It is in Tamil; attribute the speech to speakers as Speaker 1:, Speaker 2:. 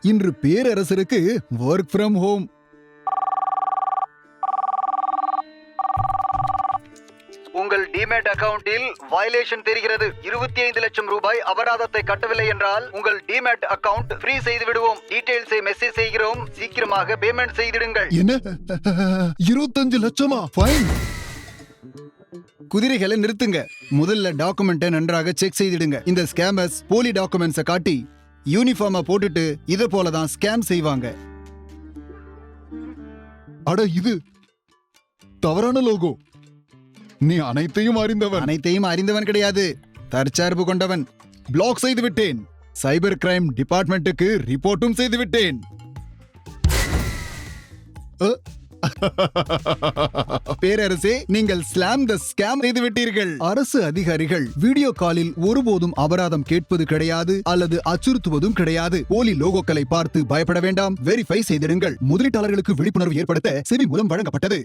Speaker 1: இன்று பேரரசருக்கு ஒர்க் ஃப்ரம் ஹோம்.
Speaker 2: உங்கள் டிமேட் அக்கவுண்டில் வயலேஷன் தெரிகிறது. 25 லட்சம் ரூபாய் அபராதத்தை கட்டவில்லை என்றால் உங்கள் டிமேட் அக்கவுண்ட் ஃப்ரீ செய்து விடுவோம். டீடைல்ஸை மெசேஜ் செய்கிறோம். சீக்கிரமாக பேமெண்ட் செய்திடுங்கள்.
Speaker 1: என்ன 25 லட்சமா? ஃபைன். குதிரைகளை நிறுத்துங்க. முதல்ல டாக்குமெண்ட்டை நன்றாக செக் செய்திடுங்க. இந்த ஸ்கேமர்ஸ் போலி டாக்குமெண்ட்ஸை காட்டி யூனிஃபார்மை போட்டுட்டு இத போலதான் ஸ்கேம் செய்வாங்க. அட இது தவறான லோகோ. நீ அனைத்தையும் அறிந்தவன் கிடையாது. தற்சார்பு கொண்டவன். பிளாக் செய்து விட்டேன். சைபர் கிரைம் டிபார்ட்மெண்ட்டுக்கு ரிப்போர்ட்டும் செய்து விட்டேன். பேரரசே, நீங்கள் ஸ்லாம் த ஸ்கேம் செய்து விட்டீர்கள். அரசு அதிகாரிகள் வீடியோ காலில் ஒருபோதும் அபராதம் கேட்பது கிடையாது அல்லது அச்சுறுத்துவதும் கிடையாது. போலி லோகோக்களை பார்த்து பயப்பட வேண்டாம். வெரிஃபை செய்திடுங்கள். முதலீட்டாளர்களுக்கு விழிப்புணர்வு ஏற்படுத்த செபி மூலம் வழங்கப்பட்டது.